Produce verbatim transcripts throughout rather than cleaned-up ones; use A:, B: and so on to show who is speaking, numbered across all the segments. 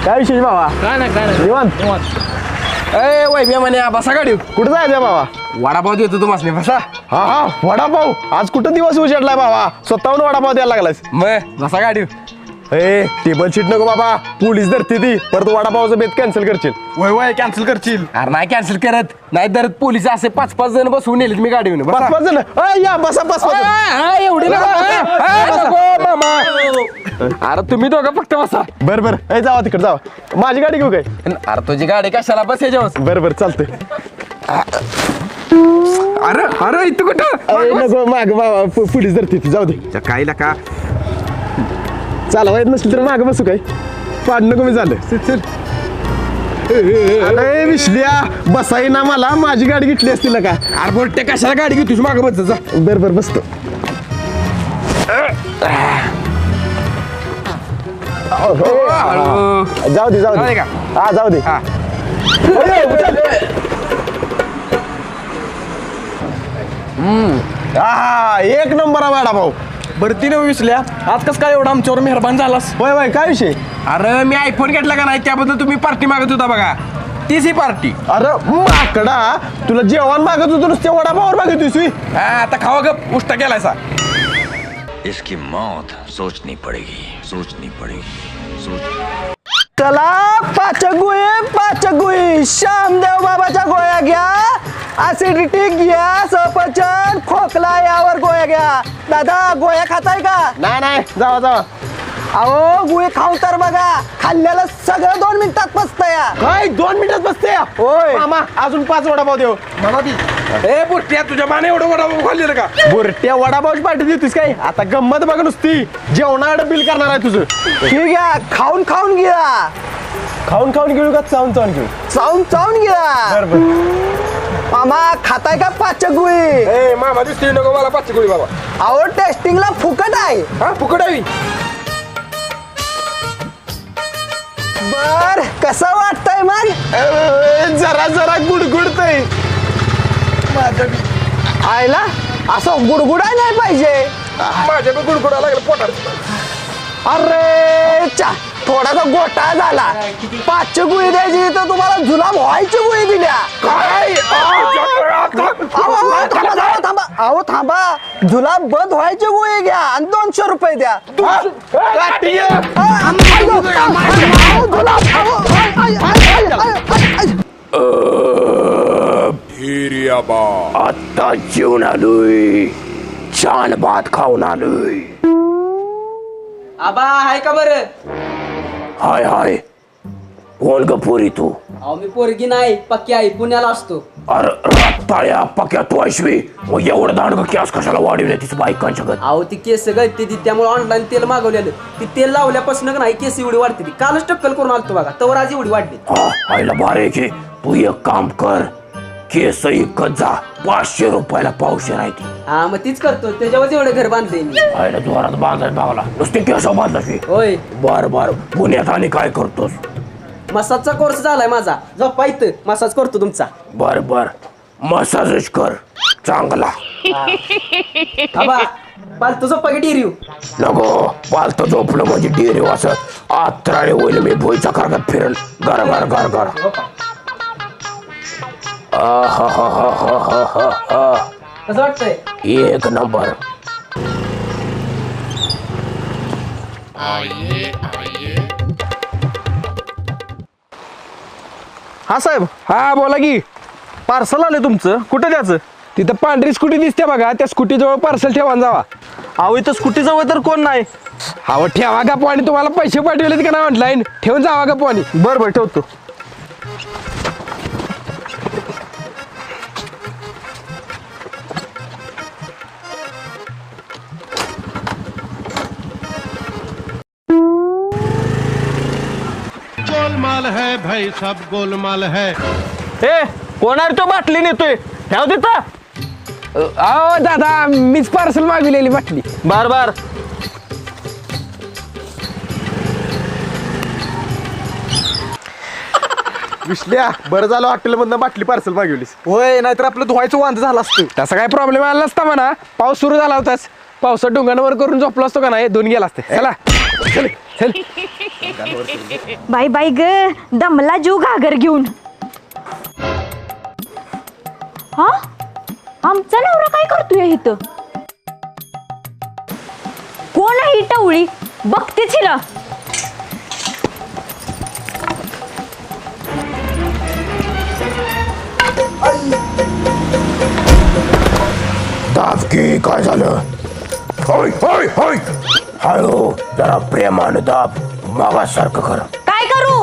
A: काय विशेष बाबा?
B: काय नाही काय नाही
A: निवांत
B: निवांत ए वैभ्या म्हणे बसा गाडी
A: कुठं जायचं बाबा?
B: वडापाव देतो तुम्हाला बसा.
A: हा हा वडापाव आज कुठं दिवस उजेडलाय बाबा स्वतःहून वडापाव द्यायला लागलास.
B: मग बसा गाडी.
A: ए टेबल शीट नको बाबा पोलीस धरते ती परत वडापावचं बेत कॅन्सल करशील.
B: वय वय कॅन्सल करशील. अरे नाही कॅन्सल करत नाही तर पोलीस असे पाच पाच जण बसवून नेलेत मी गाडीवर.
A: पाच पाच जण अय, या बसा पाच पाच जण.
B: एवढी अरे तुम्ही दोघं फक्त बसा.
A: बर बर ए जावा तिकडे जावा माझी गाडी घेऊ काय?
B: अरे तुझी गाडी कशाला बस याच्यावर.
A: बर बर चालतंय.
B: अरे अरे इथं कुठं
A: अरे नको माग बाबा पो- पोलीस धरते ती जाऊ दे.
B: काय का
A: चालवा येत नसली तर माग बसू काय पाड नको मी झालं.
B: चल
A: अरे विसल्या बसाई ना मला माझी गाडी घेतली असती ना का.
B: अरे बोलते कशाला गाडी घेऊ तुझी मागं बस जा.
A: बर बर बसतो.
B: हळू.
A: जाऊ दे जाऊ
B: जाऊ
A: दे
B: दे का?
A: हा जाऊ दे.
B: हा.
A: अरे, उचल. हा एक नंबर आहे वडापाव.
B: बरं तिने विसल्या आज कस काय एवढा आमच्यावर मेहरबान झालास.
A: होय होय काय विषय?
B: अरे मी आयफोन घेतला का नाही त्याबद्दल तुम्ही पार्टी मागत होता बघा तीच ही पार्टी.
A: अरे माकडा तुला जेवण मागत होतो नुसते वडापावर मागत होती.
B: हा आता खावा गप उष्टा केलायसा.
C: इसकी मौत सोचनी पड़ेगी सोचनी पड़ेगी सोच.
D: चला पाच गोळे पाच गोळी श्यामदेव बाबाच्या गोळ्या घ्या. ऍसिडिटी घ्या सफरचंद खोकला यावर गोळ्या घ्या. दादा गोळ्या खाताय का?
A: नाही नाही जावा जावा.
D: अहो गोळी खाऊन तर बघा खाल्ल्याला सगळं दोन मिनिटात पचतं या.
A: काय दोन मिनिटात बसते या?
D: होय.
A: मामा अजून पाच वडापाव देऊ.
B: मला ती ए बुट्ट्या तुझ्या माने एवढं वडापाव खाल्लेलं का.
A: बुरट्या वडापावची पार्टी देतोस काय? आता गंमत बघ नुसती जेवणाकडे बिल करणार आहे तुझं.
D: ठीक आहे खाऊन खाऊन घ्या.
A: खाऊन खाऊन घेऊ का चावून चावून घेऊ?
D: चावून चावून घ्या.
A: बरोबर.
D: मामा खाताय का पाच गोळी?
B: ए मामा दिसतोय नको मला पाचशे गोळी बाबा.
D: अहो टेस्टिंगला फुकट आहे.
B: हा फुकट आहे.
D: बर कसं वाटतंय मग?
A: अरे, जरा जरा गुडगुडतय.
D: आयला असं गुडगुडाय नाही पाहिजे.
B: माझ्या पण गुडगुडा लागला पोटात.
D: अरे चा थोडासा गोटा झाला. पाचशे गुळी द्यायची तर तुम्हाला जुलाब व्हायची गुळी दिल्या.
B: काय
D: अहो, अहो, थांबा थांबा थांबा अहो थांबा जुलाब बंद व्हायची गुळी घ्या आणि दोनशे रुपये द्या. अहो, जुलाब, अहो, आय, आय, आय, आय, आय, आय.
A: आता जेवण आलोय छान भात खाऊन आलोय.
E: आबा हाय का बरं?
A: हाय हाय कोण ग पोरी तू?
E: अहो मी पोरगी नाही पक्की आई पुण्याला असतो.
A: अरे रत्ताळ्या पक्या तू ऐशवी मग एवढं दांडग कॅस कशाला वाढवले तिचं बायकांच्या गत?
E: अहो ती केस गळते ती त्यामुळे ऑनलाईन तेल मागवलेलं ती तेल लावल्यापासून का नाही केस एवढी वाढते ती कालच टक्कल करून आलतो बघा तवर आज एवढी वाढली.
A: हा आईला बारे की तू एक काम कर केस इकत जा पाचशे रुपयाला पावशे राहते.
E: हा मग तीच करतो त्याच्यावर एवढं घर बांधले मी.
A: आईला जोरात बांधायला भागला नुसते केस बांधला.
E: होय
A: बर बर पुण्यात आणि काय करतोस?
E: मसाजचा कोर्स झालाय माझा झोपा इथं मसाज करतो तुमचा.
A: बर बर मसाजच कर चांगला.
E: आबा पालतो झोपा की डिरिव.
A: नको पालत झोपलं म्हणजे डेरे वाचत आत्राळे होईल मी भोईचा कारगात फिरल गार गार गार गार.
E: कसं वाटतंय?
A: एक नंबर.
F: हा साहेब
B: हा बोला की.
F: पार्सल आले तुमचं कुठं द्यायचं?
B: तिथं पांढरी स्कूटी दिसते बघा त्या स्कूटी जवळ पार्सल ठेवा आणि जावा.
F: अहो इथं स्कूटी जवळ तर कोण नाही.
B: हा ठेवा का पाणी तुम्हाला पैसे पाठवलेत का नाही ऑनलाईन ठेवून जावा का पाणी.
F: बरं बरं ठेवतो.
G: गोलमाल है भाई सब गोलमाल है.
F: ए कोण आहे तो बाटली नेतोय ठेव तिथं.
B: अहो दादा मीच पार्सल मागविलेली बाटली.
F: बार बार
A: विसल्या बरं झालं हॉटेलमधनं बाटली पार्सल मागवलीस.
F: होय नाहीतर आपलं धुवायचं वांद झालं असतं.
B: तसा काय प्रॉब्लेम आला नसता म्हणा पाऊस सुरू झाला होताच पावसात डोंगांवर करून झोपलो असतो का नाही दोन गेला असते चला. चल चल.
H: बाय बाय ग दमला जीव घागर घेऊन. हा आमचा नवरा काय करतोय इथं? कोण आहे ही टवळी? बघतेच हिला.
A: दाब की काय झालं? होय होय होय हळू जरा प्रेमानं दाब मागासारखं कर.
H: काय करू?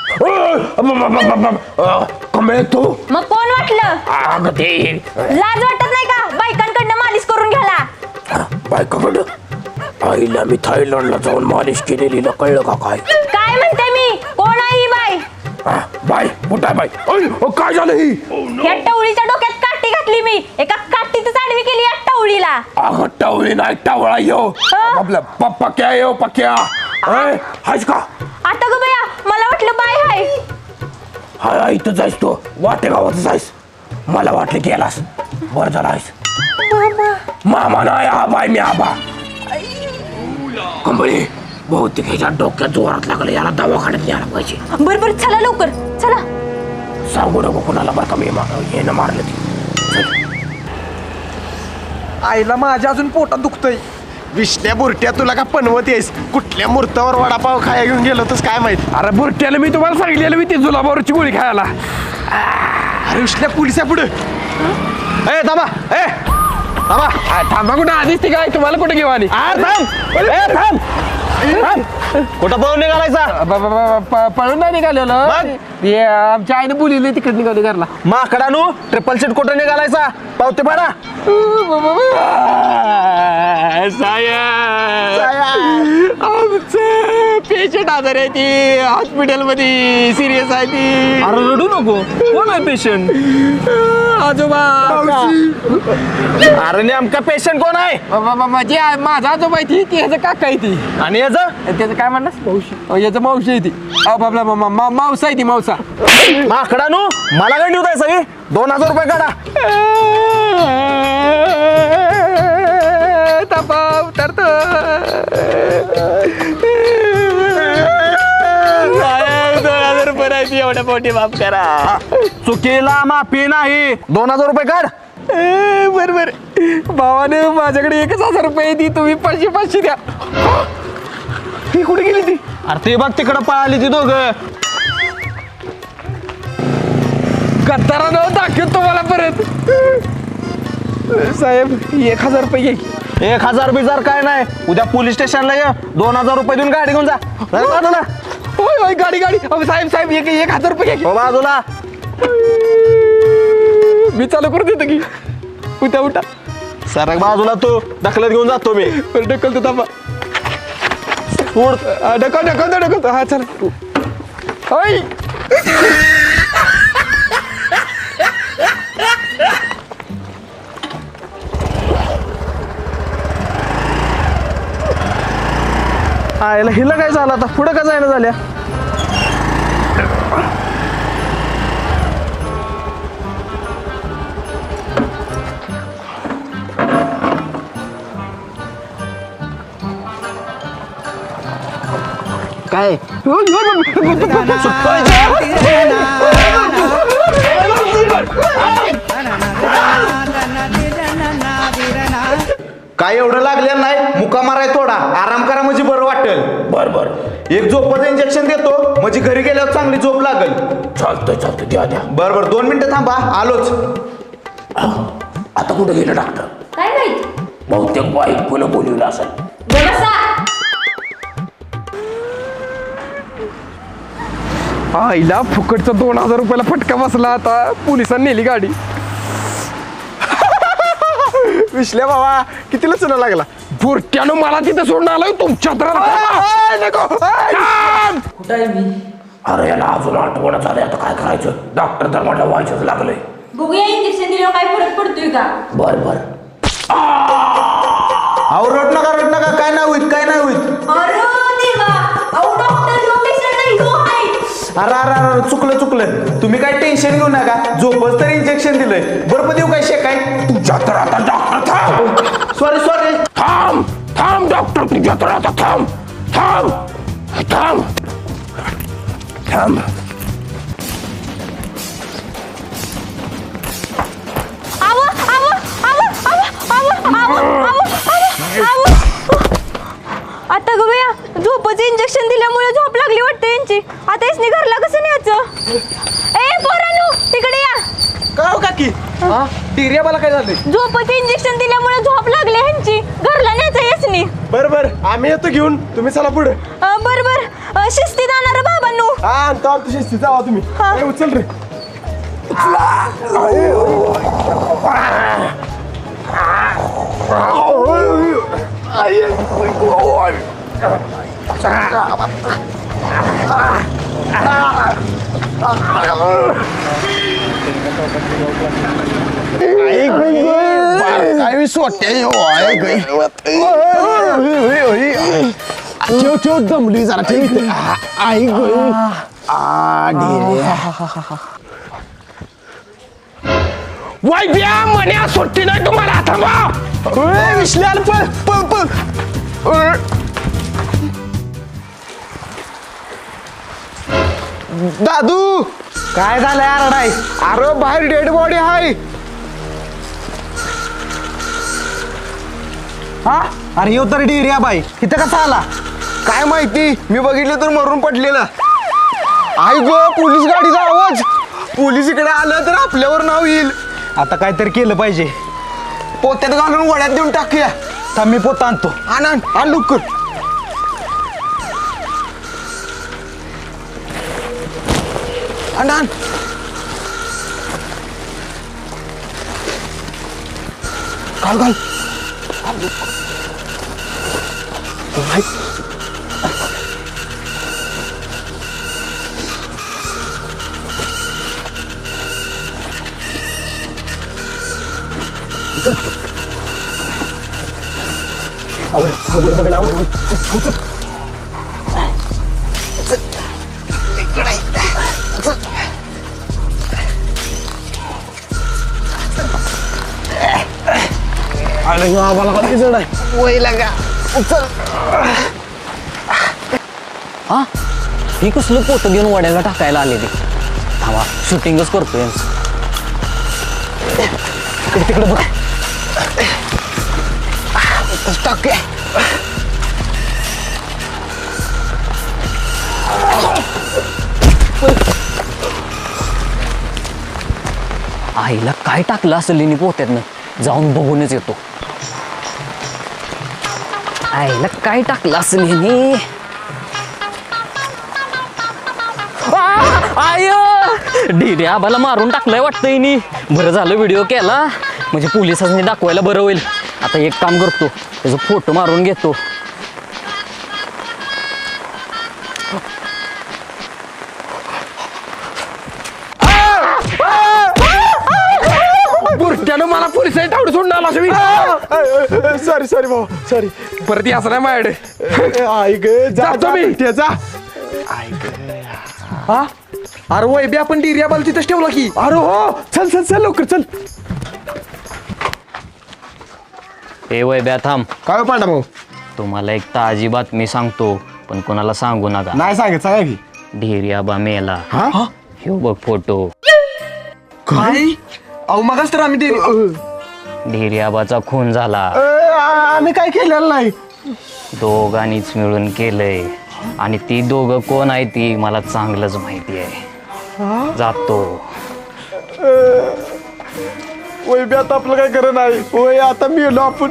A: कमळे तू
H: मग कोण वाटलं?
A: अगं ते
H: लाज वाटत नाही का बायकांकडनं मालिश करून घ्याला?
A: बायकाकडं आईला मी थायलंडला जाऊन मालिश केलेली कळलं का काय?
H: काय म्हणते मी? कोण आहे ही बाय?
A: हा, बाय कुठं आहे बाय? अय, अ, काय झालं ही?
H: या टवळीच्या डोक्यात काठी घातली मी. एका काठीतच आडवी केली या टवळीला.
A: अगं टावळी नाही टावळा येऊ
H: हं?
A: आपलं पप्पा क्या येऊ पक्या हायच का?
H: आता ग बया मला वाटलं बाय हाय.
A: हा इथं जायस तू वाटे गावात जायस. मला वाटलं गेलास बर झाला आहेस. मामा नाही आबाय मी आबा. कंबळी बहुतेक ह्याच्या डोक्यात जोरात लागलं याला दवाखान्यात न्यायला पाहिजे.
H: बर बर चला लवकर चला.
A: सांगू नको कुणाला बरं का मी हे न मारलं ती.
B: आईला माझ्या अजून पोटात दुखतंय.
F: विष्ण्या बुरट्या तुला का पनवत येस कुठल्या मुहूर्तावर वडापाव खाया घेऊन गेलो तस काय माहित.
B: अरे बुरट्याला मी तुम्हाला सांगितलेलं मी ती जुलाबावरची गोळी खायला.
F: अरे विष्ण्या पोलिसा पुढे ए थांबा ए थांबा.
B: आ, थांबा कुठं आधीच ती काय तुम्हाला कुठे घेऊ आणि
F: आ, थांब ए थांब थांब. कुठं पळून निघालायचा?
B: ब- ब- ब- प- पळून नाही निघालेलं.
F: मग?
B: ते आमच्या आईने बोलिले तिकडे निघाली घरला.
F: माकडानू ट्रिपल सीट कुठं निघालायचा? पावते पाडा.
B: आमचं पेशंट आजार आहे ती हॉस्पिटलमध्ये सिरियस आहे ती.
F: अरे रडू नको. कोण आहे पेशंट?
B: आजोबा
F: अरे नेमका पेशंट कोण आहे?
B: म्हणजे माझा आजोबा आहे ती ती ह्याचं काका आहे ती.
F: आणि याचं
B: त्याचं काय म्हणणार मावशी याचं मावशी आहे ती. अहो, बाबला मा- मा- मावसा आहे ती मावसा.
F: माकडानू मला गंडी होत आहे सगळी. दोन हजार रुपये काढा.
B: तपा उतरतो. दोन हजार रुपये नाही एवढ्या पोटी माफ करा.
F: चुकीला माफी नाही. दोन हजार रुपये काढ.
B: बर बर भावाने माझ्याकडे एकच हजार रुपये आहे ती तुम्ही पाचशे पाचशे द्या. ती कुठे गेली ती?
F: अरे ते बघ तिकडं पळाली ती दोघं.
B: गद्दारानं दाखवत तुम्हाला परत. साहेब एक हजार रुपये घे.
F: एक हजार बिजार काय नाही. उद्या पोलीस स्टेशनला ये. दोन हजार रुपये देऊन गाडी घेऊन जा. नाही बाजूला
B: होय होय गाडी गाडी. अहो, साहेब साहेब एक एक हजार रुपये घे.
F: हो बाजूला.
B: मी चालू करून देतो की. उठा उठा.
F: सरक बाजूला तू. ढकलत घेऊन जातो मी.
B: बरं ढकलतो थांबा.
F: सोड.
B: हा, ढकल ढकलतो ढकलतो. हा चला. होय
F: आयला हिला काय झालं आता? पुढं का जायला झाल्या? काय
I: काय एवढं लागलेलं नाही. मुका माराय थोडा आराम करा म्हणजे बरं वाटेल.
A: बर बर
I: एक झोपाचं इंजेक्शन देतो म्हणजे घरी गेल्यावर चांगली झोप लागेल.
A: चालतंय चालतंय द्या द्या.
I: बर बर दोन मिनिटं थांबा आलोच.
A: आता कुठं गेलं डॉक्टर?
H: काय माहित?
A: बहुतेक वाईट पुन्हा बोलवलं असेल.
B: आईला फुकटचा दोन हजार रुपयाला फटका बसला. आता पोलिसांनी नेली गाडी.
F: विश्ल्या बाबा कितीला चुना लागला?
B: बुरट्यानं मला तिथं सोडून आलोय तुमच्या
E: कुठं आहे मी?
A: अरे याला अजून आठवण झालंय आता काय करायचं? डॉक्टर तर मला व्हायचंच लागलंय.
H: बघूया इंजेक्शन दिल्यावर काय फरक पडतोय का?
A: बर बर
I: अहो रड नका रड नका. काय नाही होईत काय नाही होईत.
H: अरे देवा अहो डॉक्टर ह्यो पेशंट नाही ह्यो आहे.
I: अरे अरे अरे चुकलं चुकलं. तुम्ही काय टेन्शन घेऊ नका. झोपच तर इंजेक्शन दिलंय. बर्फ देऊ काय शेकाय?
A: तुझ्या तर आता डॉक्टर थांब.
I: Sorry sorry.
A: थांब थांब डॉक्टर तुझ्या तर आता थांब. थांब थांब थांब
H: आव आव आव आव आव आव आव आव आता ग बया झोपचं इंजेक्शन दिल्यामुळे झोप लागली वाटतं यांची. आता इसनी घरला कसं न्यायचं? ए पोरांनो तिकडे या.
B: का हो काकी हा डिरिया मला काय झालंय?
H: झोपचं इंजेक्शन दिल्यामुळे झोप लागली ह्यांची. घरला न्यायचं यसनी.
F: बर बर आम्ही येतो घेऊन तुम्ही चला पुढे.
H: अं, बर बर अं, शिस्तीत आणणार बाबांनो.
F: हा आणतो आणतो शिस्तीत जावा तुम्ही.
H: हा.
F: ए, उचल रे.
A: काय सोट्या
F: ठेव ठेव दमली जरा ठेव. आई
A: वाईब्या म्हण्या सुट्टी नाही तुम्हाला. थांबा
F: विश्ल्याला पळ पळ पळ. दादू
D: काय झालंय आरडाय?
F: अरे बाहेर डेड बॉडी आहे.
D: हा अरे येऊ तर डिरिया बाई इथं कसा आला?
F: काय माहिती मी बघितलं तर मरून पडलेला. आई गो पोलीस गाडीचा आवाज. पोलीस इकडे आलं तर आपल्यावर नाव येईल.
D: आता काहीतरी केलं पाहिजे.
F: पोत्यात घालून वड्यात देऊन टाकूया.
D: थांब मी पोत आणतो.
F: आण आण आण लवकर. आण आण. घाल घाल.
D: अरे आम्हाला कधी जड आहे
F: वय लागा. उचल.
E: हा ही कसलं पोतं घेऊन वड्याला टाकायला आले ते. थांबा शूटिंगच करतो यांचं.
D: तिकडे तिकडे बघ.
F: टाकूया.
E: आईला काय टाकलं असेल हिने पोत्यातनं जाऊन बघूनच येतो. आईला काय टाकलं असेल हिने. आय डिरे आबाला मारून टाकलंय वाटतं हिने. बरं झालं व्हिडिओ केला म्हणजे पोलिसांनी दाखवायला बरं होईल. आता एक काम करतो त्याचा फोटो मारून घेतो.
A: बुरट्यानं मला पोलिसांनी तावडं सोडून आला असं.
F: सॉरी सॉरी भाऊ सॉरी.
A: परत याचं नाही माझ्याकडे.
F: आई ग
A: जातो मी.
F: त्याचा.
B: हा अरे वैबी आपण डिरिया बाल तिथंच ठेवला की.
F: अरे हो चल चल चल लवकर चल.
E: ए वैब्या थांब.
F: काय पांडा भाऊ?
E: तुम्हाला एक ताजी बातमी सांगतो पण कोणाला सांगू नका.
F: नाही सांगत सांगा की.
E: ढेरी आबा मेला.
F: हा
E: ह्यो बघ फोटो.
B: काय अहो मगाच तर आम्ही
E: ढेरी आबाचा खून झाला.
F: आम्ही काय केलेलं नाही.
E: दोघांनीच मिळून केलंय आणि ती दोघं कोण आहे ती मला चांगलंच माहिती आहे. जातो.
F: वय बी आता आपलं काय करत नाही. वय आता मेलो आपण.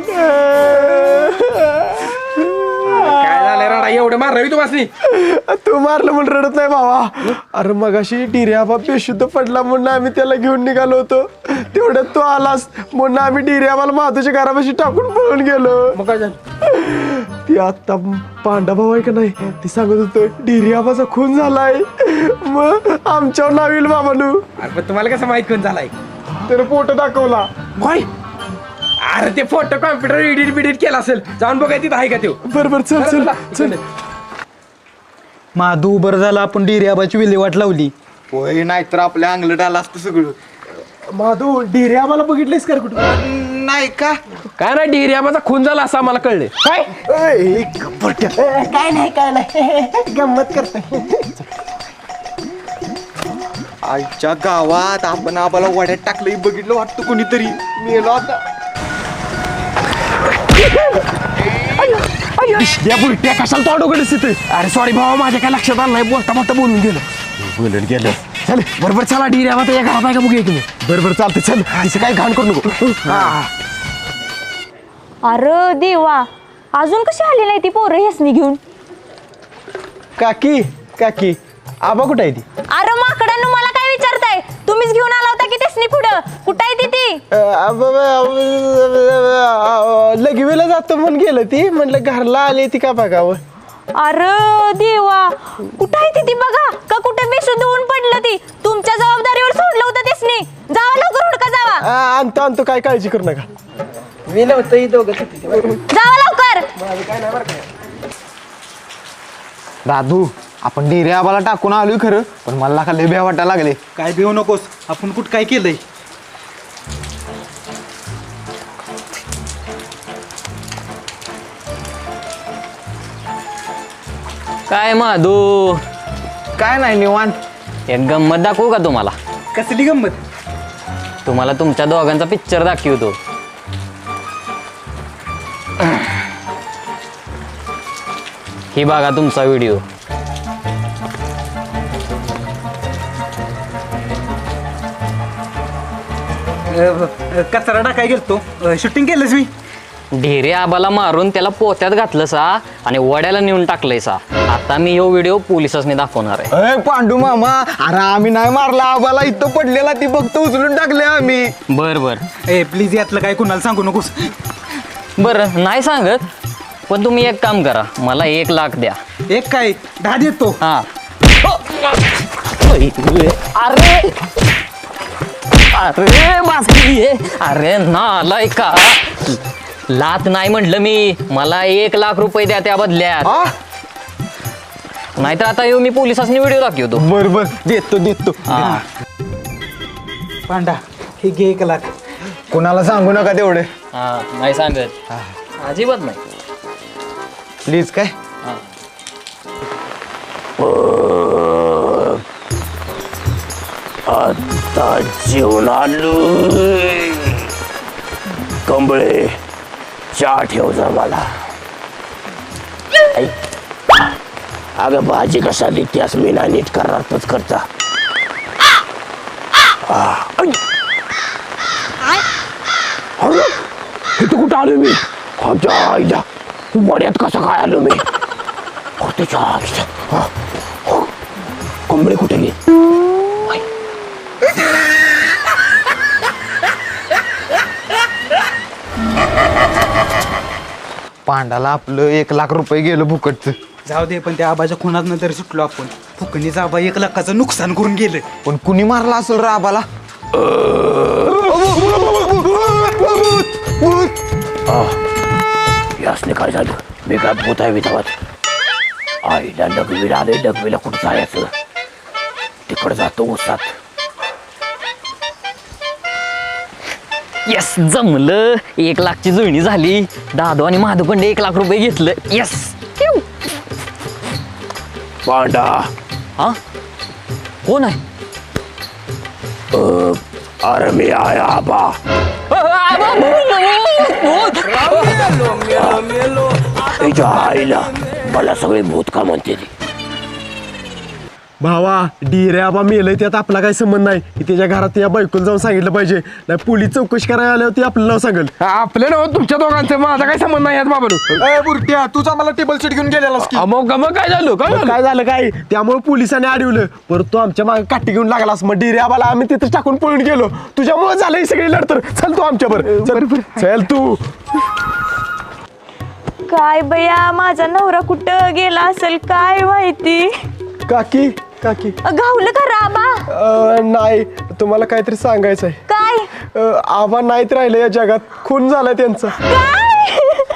A: काय झालं राडा एवढं मारावी तुम्हाला?
F: तू मारलं म्हणून रडत नाही भावा. अरे मगाशी डिर्या बाप बेशुद्ध पडला म्हणून आम्ही त्याला घेऊन निघालो होतो. तेवढ्यात तू आलास म्हणून आम्ही डिर्याबाला माधूच्या घरापाशी टाकून पळून गेलो.
A: मग काय झालं?
F: ती आता पांडा भाऊ आहे का नाही ती सांगत होतं डिर्याबाचा खून झालाय. मग आमच्यावर नाव येईल बाबानू.
A: अरे पण तुम्हाला कसं माहित कोण झालाय?
F: त्याने फोटो दाखवला.
A: काय? अरे ते फोटो कॉम्प्युटर एडिट बिडिट केला असेल. जाऊन बघाय तिथं आहे का तो.
F: बरोबर चल चल चल.
D: माधू बरं झालं आपण डिरियाबाची विल्हेवाट लावली.
I: होय नाहीतर आपल्या अंगलट आला असतं सगळं.
F: माधू डिर्याबाला बघितलेस का कुठं?
I: नाही का?
B: काय नाही डिरे आबाचा खून झाला असं आम्हाला कळले. काय
F: काय नाही काय नाही गंमत करते.
I: आईच्या गावात आपण आबाला वाड्यात टाकलंय बघितलं वाटतं कोणीतरी. मेलो आता.
B: या बुलट्या कशाला तोंड उघडच तिथे. अरे सॉरी भावा माझ्या काय लक्षात आलं नाही. बोलता बोलता बोलून गेलं.
F: बोलून गेलं.
B: चल बरोबर चला डिरे आबा या घरात आहे का बघूया तुम्ही.
F: बरोबर चालते चल. तिचं काय घाण करू नको.
H: अरे देवा अजून कशी आली नाही ती पोरं हेसनी घेऊन.
F: काकी काकी आबा कुठे आहे ती?
H: अरे माकडांनो मला काय विचारताय. तुम्हीच घेऊन आला होता की तेसनी पुढं. कुठं आहे ती ती?
F: लगवीला जातो म्हणून गेलं ती. म्हटलं घरला आली ती का बघावं.
H: अरे देवा कुठं आहे ती ती बघा. का कुठे बेशुद्ध होऊन पडलं ती. तुमच्या जबाबदारीवर सोडलं होतं तेसनी. जावा लवकर हुडका जावा.
F: आ, आणतो आणतो काय काळजी करू नका.
D: मी नव्हतं दोघं.
H: जावा लवकर.
I: दादू आपण डिरे आबाला टाकून आलोय खरं, पण मला का लय भ्या वाटायला लागले.
D: काय भिवू नकोस. आपण कुठं काय केलंय?
E: काय माधू
I: काय नाही निवांत.
E: एक गंमत दाखवू का तुम्हाला?
D: कसली गंमत?
E: तुम्हाला तुमच्या दोघांचा पिक्चर दाखवतो. ही बघा तुमचा व्हिडिओ.
D: कचरा टाकाय गेलतो. शूटिंग केलंस मी.
E: ढेरे आबाला मारून त्याला पोत्यात घातलं सा आणि वड्याला नेऊन टाकलंय सा. आता मी ह्यो व्हिडिओ पोलिसांनी दाखवणार आहे.
I: अय पांडू मामा, अरे आम्ही नाही मारला आबाला. इथं पडलेला ती फक्त उचलून टाकले आम्ही.
E: बर बर
D: ए प्लीज यातलं काय कुणाला सांगू नकोस.
E: बरं नाही सांगत, पण तुम्ही एक काम करा, मला एक लाख द्या.
D: एक काय दहा देतो.
E: हा अरे अरे बासरी अरे नालाय का. लाख नाही म्हटलं मी. मला एक लाख रुपये द्या त्या बदल्यात. नाहीतर आता येऊ मी पोलिसांनी व्हिडिओ दाखवतो.
I: बर बर देतो देतो.
E: हा.
D: पांडा हे घे एक लाख.
I: कुणाला सांगू नका तेवढे.
E: हा नाही सांगत अजिबात नाही.
I: प्लीज काय.
A: आता जेवण आलो. कंबळे चहा ठेव जा मला. अगं भाजी कशा देतेस मी ना नीट करणारच करता. इथं कुठं आलो मी? आमच्या आईला मड्यात कसं काय आलो मी? त्याच्या आईला कंबळे कुठे गेले?
I: पांडाला आपलं एक लाख रुपये गेलं फुकटचं.
D: जाऊ दे, पण त्या आबाच्या खुनात नंतर सुटलो आपण. फुकणीचा आबा एक लाखाचं नुकसान करून गेलं.
I: पण कुणी मारला असेल रे आबाला?
A: यासने काय झालं? मी काय भूत आहे विधावात? आईला डगवीला आले. डगवीला कुठं जायचं? तिकडं जातो उसात.
E: येस जमलं. एक लाखची जुळणी झाली. दादू आणि माधवकडे एक लाख रुपये घेतलं. येस.
A: पांडा
E: हा कोण आहे?
A: अरे मी आहे आबा. तिच्या आईला मला सगळे भूत का म्हणते ती.
F: भावा डिरे आबा मेलय त्यात आपला काही संबंध नाही. की त्याच्या घरात त्या बायकोला जाऊन सांगितलं पाहिजे. नाही पोलीस चौकशी करायला आल्यावर आपलं नाव सांगेल.
B: आपलं ना तुमच्या दोघांचं. माझा काय संबंध नाही यात बाबा.
I: ए बुरट्या, तूच आम्हाला टेबल सीट घेऊन गेलेलास की.
B: मग मग काय झालं? काय झालं?
F: काय झालं काय त्यामुळे पोलिसांनी अडवलं. परत तो आमच्या मागे काठी घेऊन लागलास. मग डिरे आबाला आम्ही तिथं टाकून पळून गेलो. तुझ्यामुळे झालं ही सगळी लढतर. चल तू आमच्या बरोबर. चल तू.
H: काय बया माझा नवरा कुठं गेला असेल काय माहिती.
F: काकी काकी
H: गावलं का राबा?
F: अं, नाही तुम्हाला काहीतरी सांगायचं आहे.
H: काय?
F: अं, आबा नाहीत राहिले या जगात. खून झालाय त्यांचा.
H: काय?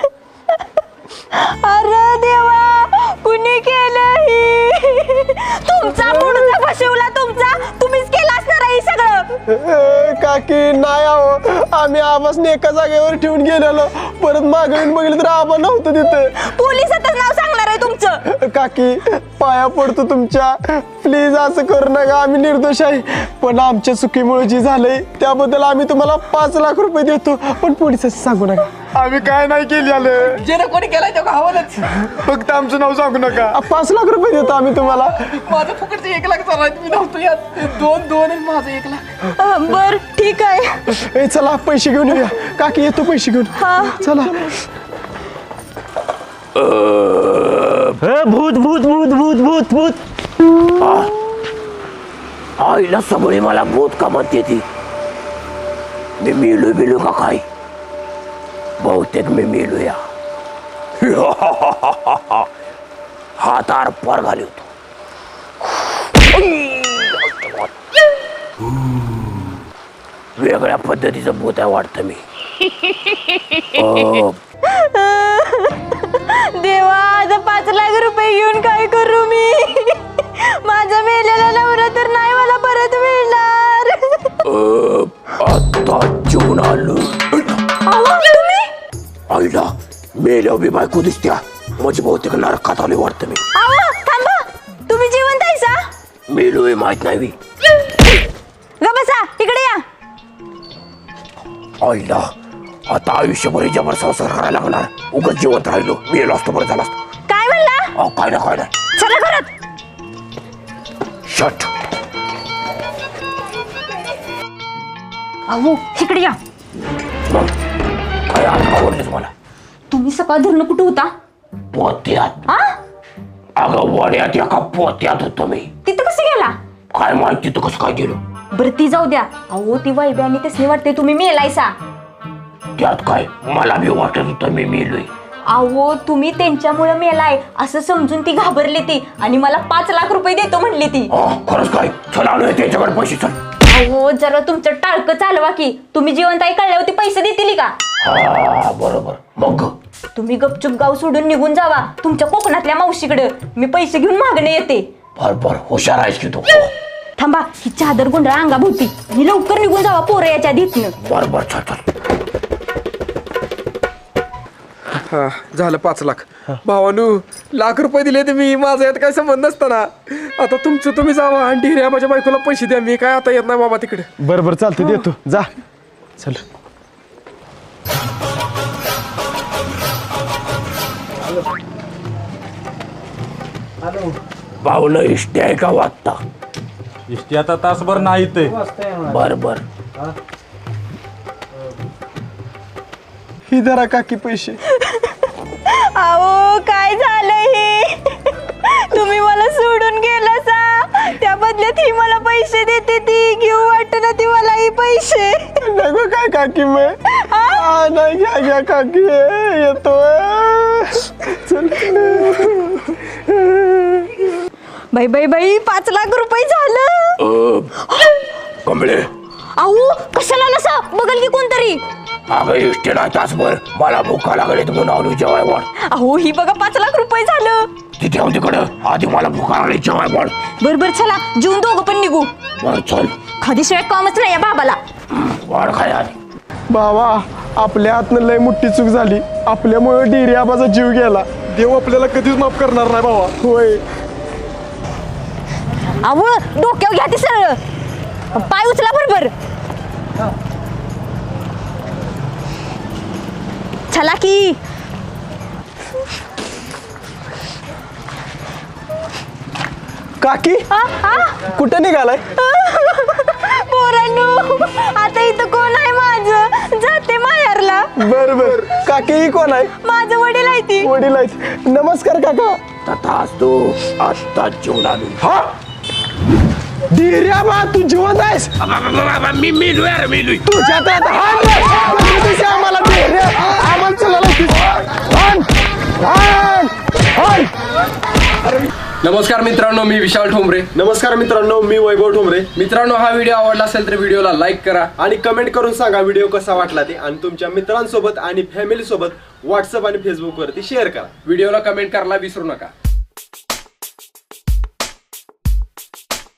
H: अरे देवा कुणी केलं ही? तुमचा मुडका फसवला तुमचा. तुम्हीच केला असणार हे सगळं.
F: काकी नाही आहो, आम्ही आबासने एका जागेवर ठेवून गेलेलो, परत मागे येऊन बघितलं तर आबा नव्हतं तिथं.
H: पोलिसातच नाव सांगणार आहे तुमचं.
F: काकी पाया पडतो तुमच्या, प्लीज असं करू नका, आम्ही निर्दोष आहे. पण आमच्या चुकीमुळे जे झालंय त्याबद्दल आम्ही तुम्हाला पाच लाख रुपये देतो, पण पोलिसांना सांगू नका.
I: आम्ही काय नाही केली आलं,
B: जे ना कोणी केलाय तो हवालच.
I: फक्त आमचं नाव सांगू नका.
F: पाच लाख रुपये देतो आम्ही तुम्हाला.
B: माझं फुकटचं एक लाख चालू आहे, मी नव्हतो यात. दोन दोन आणि माझं एक लाख.
H: अं, बर ठीक आहे.
F: ए चला पैसे घेऊन येऊया. काकी येतो पैसे घेऊन.
H: हा.
F: चला.
E: भूत भूत भूत भूत भूत भूत.
A: आईला सगळी मला भूत का म्हणते ती. मी मेलो बिलो का काय? बहुतेक मी मेलो या. हात आर पार घाली होतो. वेगळ्या पद्धतीचं भूत आहे वाटतं मी. अं,
H: देवा आता पाच लाख रुपये घेऊन काय करू मी? माझा मेलेला नवरा तर नाही मला परत मिळणार.
A: अं, आता जेवण आलो.
H: अहो, तुम्ही?
A: आईला मेल्या बी बायको दिसत्या. माझी बहुतेक नरकात आले वाटतं मी.
H: अहो, थांबा. तुम्ही जिवंत आहेसा?
A: मेलोय माहित नाही मी.
H: ग बसा इकडे या.
A: आईला आता आयुष्यभर हिच्यावर संसार करायला लागणार. उगाच जिवंत राहिलो, मेलो असतो बरं झाला असतो.
H: काय म्हणला?
A: अहो काय ना काय नाही.
H: चला घरात.
A: शट.
H: अहो इकडे या.
A: मग काय आज आवडलेच मला.
H: तुम्ही सकाळ धरणं कुठं होता?
A: पोत्यात.
H: आ?
A: अगं वाड्यात एका पोत्यात होतो मी.
H: तिथं कसं गेला?
A: काय माहिती तू कसं काय गेलो.
H: बरं ती जाऊ द्या. अहो ती वैब्या आणि तसली वाटते तुम्ही मेलायसा.
A: त्यात काय मला बी वाटत होतं मी मेलोय.
H: अहो तुम्ही त्यांच्यामुळे मेलाय असं समजून ती घाबरली ती आणि मला पाच लाख रुपये देतो म्हणली ती.
A: अं, खरंच काय? चल आलोय त्याच्याकडे पैसे. चल.
H: अहो जरा तुमचं टाळकं चालवा की. तुम्ही जिवंत आहे कळल्यावर ती पैसे देतील का?
A: हा बरोबर. मग
H: तुम्ही गपचूप गाव सोडून निघून जावा तुमच्या कोकणातल्या मावशीकडे. मी पैसे घेऊन मागणे येते.
A: बर बर हुशार आहेस की तू.
H: थांबा ही चादर गोंधळ अंगाभोवती आणि लवकर निघून जावा पोरं याच्या धीतनं.
A: बर बर चल चल.
B: हा झालं पाच लाख. भावानू लाख रुपये दिले ते मी, माझा यात काय संबंध नसताना. आता तुमचं तुम्ही जावा आणि ढिऱ्या माझ्या बायकोला पैसे द्या. मी काय आता येत नाही बाबा तिकडे.
F: बरं बरं चालतं, देतो. जा. चल.
A: भाऊन इष्टी आहे का वाटता?
J: इष्टी आता तासभर नाही ते.
A: बर बर.
F: ही धरा काकी पैसे.
H: अहो काय झालं हे? तुम्ही मला सोडून गेला सा, त्या बदल्यात ही मला पैसे देते. ती घेऊ वाटत ना ती मला ही पैसे.
F: नको काय काकी मग. हा नाही घ्या घ्या काकी येतो. चल.
H: बाई बाई बाई पाच लाख रुपये झालं.
A: कमळे
H: अहो कशाला नसा बघल की कोणतरी.
A: अगं इष्टी नाही तासभर, मला भूका लागले म्हणून आलो जेवाय वाढ.
H: अहो ही बघा पाच लाख रुपये झालं.
A: तिथे हो तिकडं, आधी मला भूका लागली जेवाय वाढ.
H: बर बर चला जेवून दोघं पण निघू.
A: बर चल.
H: खादीशिवाय कामच नाही या बाबाला.
A: वाढ खाय आधी.
F: बाबा आपल्या हातनं लय मोठी चूक झाली. आपल्यामुळे डिरी आबाचा जीव गेला.
I: देव आपल्याला कधीच माफ करणार नाही बाबा.
F: होय.
H: अहो डोक्यावर घ्या ती सरळ, पाय उचला बरोबर. चला की.
F: काकी
H: आ, आ?
F: कुठं निघालाय?
H: पोरांनो आता इथं कोण आहे माझं? जाते माहेरला.
F: बर बर. काकी ही कोण आहे?
H: माझं वडील आहे ती.
F: वडील आहेत. नमस्कार काका.
A: तथाच तू आत्ता जेवण आलो.
F: हा डिऱ्या बा तू जिवंत आहेस?
A: मी मेलोय अरे मेलोय.
F: तुझ्या त्यात हात आम्हाला डिऱ्या आम्हाला चला.
B: नमस्कार मित्रांनो, मी विशाल ठोंबरे.
F: नमस्कार मित्रांनो, मी वैभव ठोंबरे.
B: मित्रांनो हा व्हिडिओ आवडला असेल तर व्हिडिओला लाईक करा
F: आणि कमेंट करून सांगा व्हिडिओ कसा वाटला ते, आणि तुमच्या मित्रांसोबत आणि फॅमिली सोबत व्हॉट्सअप आणि फेसबुक वरती शेअर करा.
B: व्हिडिओला कमेंट करायला विसरू नका.